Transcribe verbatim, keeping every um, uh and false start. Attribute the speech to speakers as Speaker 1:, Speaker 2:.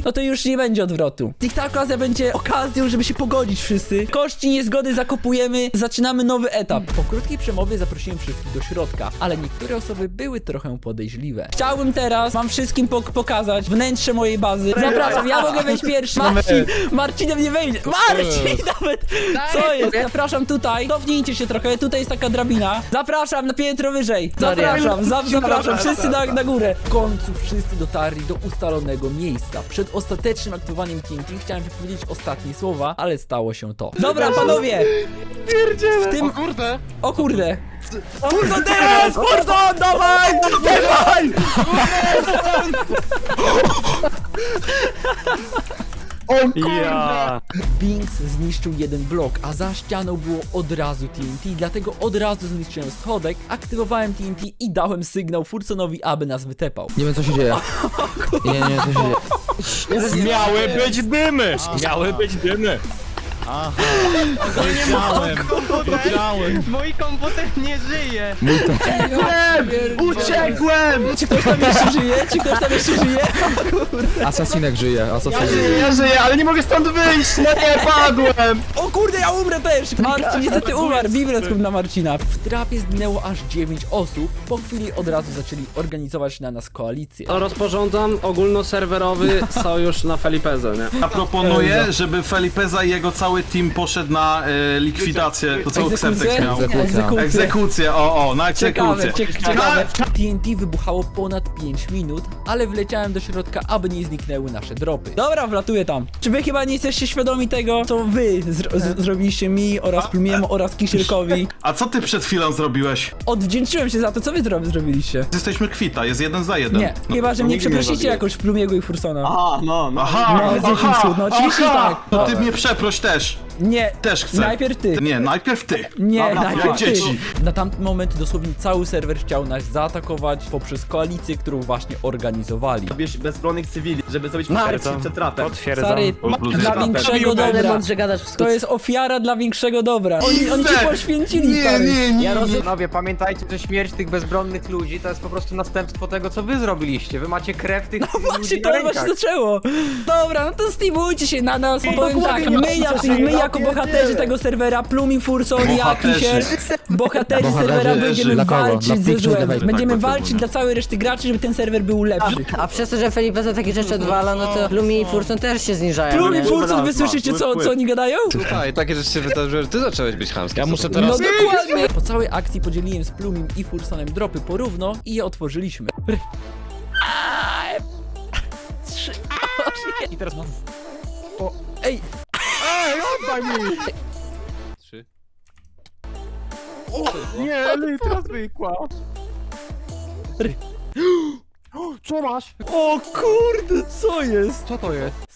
Speaker 1: no to już nie będzie odwrotu. I ta okazja będzie okazją, żeby się pogodzić wszyscy. Kości niezgody zakopujemy, zaczynamy nowy etap. Po krótkiej przemowie zaprosiłem wszystkich do środka, ale niektóre osoby były trochę podejrzliwe. Chciałbym teraz wam wszystkim pok pokazać wnętrze mojej bazy. Zapraszam, ja mogę wejść pierwszy. Marcin, Marcinem nie wejdzie. Marcin nawet! Co jest? Zapraszam tutaj. Cofnijcie się trochę, tutaj jest taka drabina. Zapraszam na piętro wyżej. Zapraszam, za, zapraszam, wszyscy na, na górę. W końcu wszyscy dotarli do ustalonego miejsca. Przed ostatecznym aktywowaniem T N T chciałem wypowiedzieć ostatnie słowa, ale stało się to. Dobra, panowie! W tym...
Speaker 2: O kurde!
Speaker 1: O kurde! Furton teraz! Furton! Dawaj! Dawaj!
Speaker 2: O kurde!
Speaker 3: Ja.
Speaker 1: Binks zniszczył jeden blok, a za ścianą było od razu T N T, dlatego od razu zniszczyłem schodek, aktywowałem T N T i dałem sygnał Fursonowi, aby nas wytepał.
Speaker 4: Nie wiem co się dzieje. Nie, nie, nie, co się dzieje.
Speaker 3: Miały być dymy! Miały być dymy!
Speaker 2: Aha! Wiedziałem! Wiedziałem!
Speaker 5: Mój komputer nie żyje!
Speaker 2: Uciekłem!
Speaker 1: Czy ktoś tam jeszcze żyje? Czy ktoś tam jeszcze żyje?
Speaker 4: Asasinek żyje,
Speaker 2: Ja
Speaker 4: asasinek
Speaker 2: żyję,
Speaker 4: żyje.
Speaker 2: ja żyję, ale nie mogę stąd wyjść! No nie, padłem!
Speaker 1: O kurde, ja umrę też! Marcin niestety umarł, Biblet na Marcina. W trapie zginęło aż dziewięć osób, po chwili od razu zaczęli organizować na nas koalicję.
Speaker 5: Rozporządzam ogólnoserwerowy sojusz na Felipezę, nie?
Speaker 6: Ja proponuję, żeby Felipeza i jego cały team poszedł na e, likwidację, to co Xertex miał.
Speaker 4: Egzekucja.
Speaker 6: Egzekucję, o, o, na
Speaker 1: Ciekawe,
Speaker 6: egzekucję.
Speaker 1: cie ciekawe. T N T wybuchało ponad pięć minut, ale wleciałem do środka, aby nie zniknęły nasze dropy. Dobra, wlatuję tam. Czy wy chyba nie jesteście świadomi tego, co wy zro z zrobiliście mi oraz Plumiemu oraz Kisielkowi?
Speaker 6: A co ty przed chwilą zrobiłeś?
Speaker 1: Odwdzięczyłem się za to, co wy zro zrobiliście.
Speaker 6: Jesteśmy kwita, jest jeden za jeden.
Speaker 1: Nie,
Speaker 6: No,
Speaker 1: chyba, że
Speaker 6: no
Speaker 1: mnie
Speaker 6: nigdy nie
Speaker 1: przeprosicie
Speaker 6: zrobiłem.
Speaker 1: jakoś Plumiego i Fursona.
Speaker 2: A, no, no.
Speaker 6: Aha,
Speaker 1: No, z
Speaker 6: aha,
Speaker 1: Efixu, no oczywiście
Speaker 6: aha,
Speaker 1: tak.
Speaker 6: To ty mnie przeproś też.
Speaker 1: Nie,
Speaker 6: Też chcę.
Speaker 1: najpierw ty.
Speaker 6: Nie, najpierw ty.
Speaker 1: Nie,
Speaker 2: Dobra,
Speaker 1: najpierw
Speaker 6: jak
Speaker 1: ty.
Speaker 6: dzieci.
Speaker 1: Na tamten moment dosłownie cały serwer chciał nas zaatakować poprzez koalicję, którą właśnie organizowali.
Speaker 7: Bierz bezbronnych cywili, żeby zrobić
Speaker 5: Marcin.
Speaker 7: przed przed trapem.
Speaker 3: Potwierdzam.
Speaker 1: Stary,
Speaker 6: plus
Speaker 1: dla
Speaker 6: jeden.
Speaker 1: większego dobra.
Speaker 8: Mądrze gadasz wszystko.
Speaker 1: To jest ofiara dla większego dobra. Oni, oni cię
Speaker 6: Xer.
Speaker 1: poświęcili,
Speaker 6: Nie,
Speaker 1: stary.
Speaker 6: nie, nie,
Speaker 5: Ja
Speaker 6: nie.
Speaker 5: rozumiem. Panowie, pamiętajcie, że śmierć tych bezbronnych ludzi to jest po prostu następstwo tego, co wy zrobiliście. Wy macie krew tych
Speaker 1: No właśnie,
Speaker 5: ludzi
Speaker 1: to
Speaker 5: na
Speaker 1: właśnie
Speaker 5: rękach.
Speaker 1: zaczęło. Dobra, no to steamujcie się na nas. Powiem tak, my, jacy, my jako bohaterzy tego serwera, Plumi, Furson, ja,
Speaker 6: Bohaterzy.
Speaker 1: Kisiel, bohaterzy
Speaker 4: Bohaterzy.
Speaker 1: serwera, będziemy
Speaker 4: Dla kogo? Dla
Speaker 1: walczyć ze
Speaker 4: Pixel
Speaker 1: złem.
Speaker 4: Device.
Speaker 1: Będziemy
Speaker 6: Tak,
Speaker 1: walczyć
Speaker 6: tak,
Speaker 1: dla całej reszty graczy, żeby ten serwer był lepszy.
Speaker 8: A przez to, że Felipeza takie rzeczy odwala, no to Lumi i Furson też się zniżają.
Speaker 1: Plumi,
Speaker 8: nie?
Speaker 1: Furson, wy słyszycie, co, co oni gadają?
Speaker 9: Słuchaj, takie rzeczy się wydarzyły, że ty zacząłeś być chamski.
Speaker 3: Ja muszę
Speaker 1: No
Speaker 3: teraz...
Speaker 1: dokładnie. Po całej akcji podzieliłem z Plumim i Fursonem dropy porówno i je otworzyliśmy. R- Aaa, Trzy... I teraz mam... O, ej!
Speaker 9: Trzy.
Speaker 2: Nie, litra zwykła.
Speaker 5: Co masz?
Speaker 1: O kurde, co jest?
Speaker 2: Co to jest?